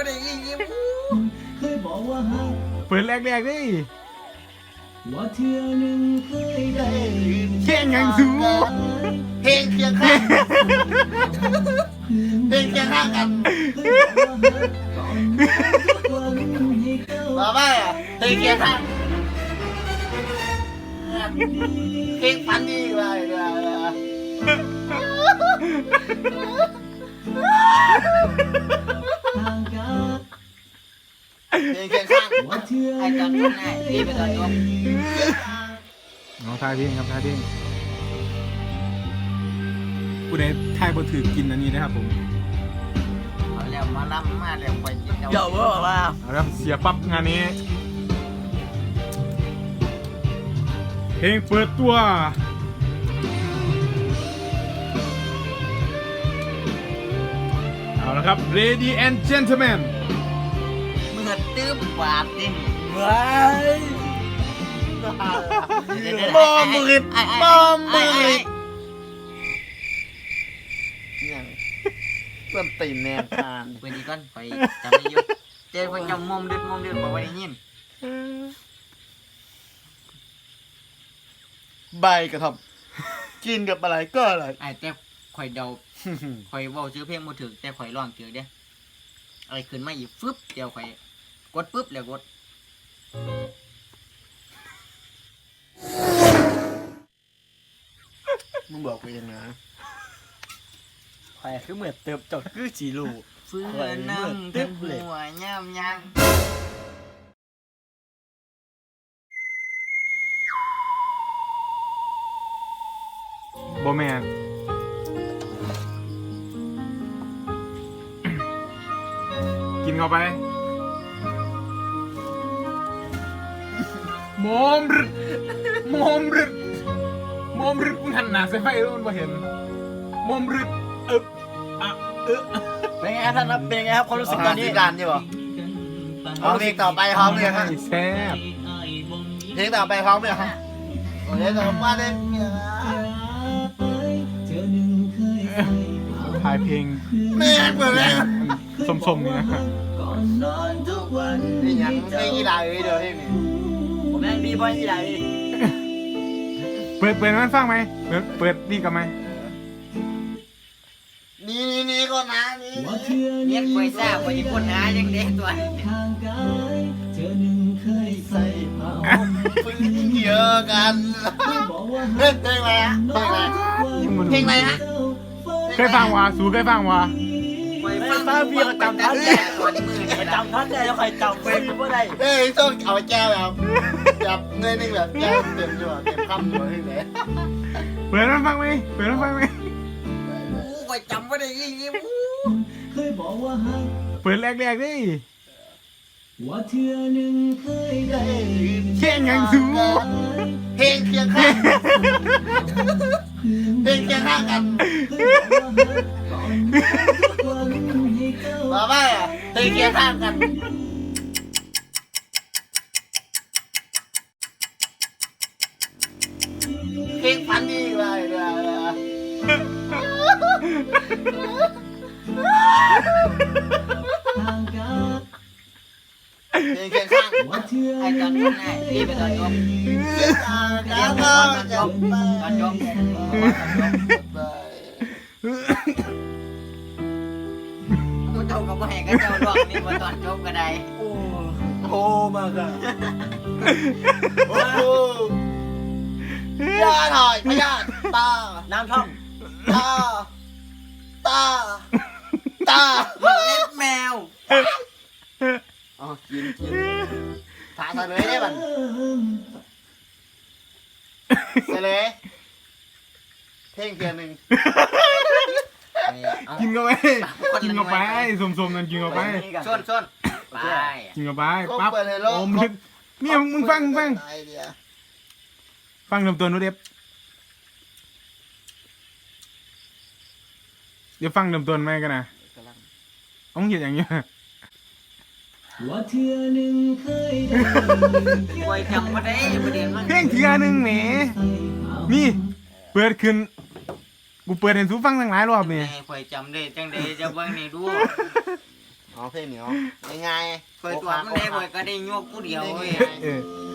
ไม่ได้ยินเคยบอกว่าฮักเปิดแรกๆดิว่าเธอหนึ่งเคยได้เข่งยังสูเพลงเคียงข้างเพลงเคียงข้างกันมาบ้าเพลงเคียงข้างเพลงฟันดีไปเลยเพลงเคียงข้างไอ้ตอนนี้ไอ้ที่เป็นตอนจบน้องทายเพลงครับทายเพลงผู้ใดทายบ่ถือกินอันนี้นะครับผมเอาแล้วมาล้ำมาแล้วไปกินเดี๋ยวบอกว่าเอาละเสียปั๊บงานนี้เพลงเปิดตัวเอาละครับ Lady and Gentlemen เมื่อตื้มปากดิว้ายบอมมืดบอมมืดเนี่ยเพิ่มตีนแนวทานเพื่อนอีกก่อนไปจำได้ยุเจ้าไปจำมุมดึกบอกว่าได้ยินใบกระทำกินกับอะไรก็อะไรไอ้แต่ข่อยเดาข่อยเว้าชื่อเพลงบ่ถึกแต่ข่อยร้องถึกเด้อะไรขึ้นมาอีกฟึบเดี๋ยวข่อยกดปึ๊บแล้วกดมึงบอกกูยังไงใครคือเหมือนเติบจดคือจีรูเพื่อนนั่งทั้งหัวย่ำยังบ่แม่นกินเข้าไปมอมรึมอมรึมอมรึมึงหันหน้าใส่ไฟแล้วมันบ่เห็นมอมรึอะเป็นไงครับท่านครับเป็นไงครับความรู้สึกตอนนี้การใช่ป่ะเอาเพลงต่อไปพร้อมเลยฮะแซ่บเพลงต่อไปพร้อมเลยฮะโอ้ยต่อมาเลยเธอหนึ่งเคยใส่ทายเพลงแม่เปิดเลยสมๆนี่นะครับก่อนนอนทุกวันนี่ยังไม่กี่ดาวเลยเดี๋ยวพี่ผมยังดีบอยที่ไหนเปิดมันฟังไหมเปิดนี่กับไหมนี่ก็นะนี่ว่าเธอหเนีนึ่ยงกวยซ่าไปญี่ปุ่นนะยังเด็กตัวทางกายเธอหนึ่งเคยใส่ผ้าห่มพึ่งเยอะกันบอกว่าเพลงอะไรฮะเพลงอะไรฮะเคยฟังวะสูเคยฟังวะไม่ฟังพี่ก็จำท่านแน่ไปจำท่านแน่แล้วใครจำเป็นก็ได้เฮ้ยต้องเอาแก้วแบบเงยนึงแบบแก้วเต็มอยู่เต็มคำอยู่ที่ไหนเปิดมันฟังไหมเปิดมันฟังไหมกูจำไม่ได้ยินเคยบอกว่าฮักเปิดแรกๆดิว่าเธอหนึ่งเคยได้เข่งยังสูเพลงเคียงข้างเพลงเคียงข้างกันก่อนนอนทุกวันให้เก้ามาบ้าเพลงเคียงข้างกันเพลงฟันดีไปเลยทางกายเพลงเคียงข้างว่าเธอไอ้ตอนนี้ไอ้ที่เป็นตอนจบตอนจบตอนจบกูเจ้าก็ไม่ให้ก็เจ้าลวกนี่มาตอนจบก็ได้โอ้มากอะโอ้โหยาถอยพยาตาน้ำท่อมตาตาเล็บแมวอ๋อกินถาเลยได้บันเลยเพลงเพียงหนึ่งกินเข้าไปกินเข้าไปสมๆนั่นกินเข้าไปส้นไปกินเข้าไปปั๊บโอมลึกเนี่ยมึงฟังฟังเริ่มต้นดูเด็บเดี๋ยวฟังเริ่มต้นไหมกันนะต้องเห็นอย่างเงี้ยว่าเธอหนึ่งเคยได้ไว้จำมาได้ประเด็นมันเพลงเทียหนึ่งแหมนี่เปิดขึ้นกูเปิดเห็นสูฟังตั้งหลายรอบนี่ไว้จำได้จังได้จะเบิ่งนี่ดูอ๋อเพลงเหนียวง่ายคอยตัวมันได้คอยก็ได้โยกผู้เดียวเว้ยเออ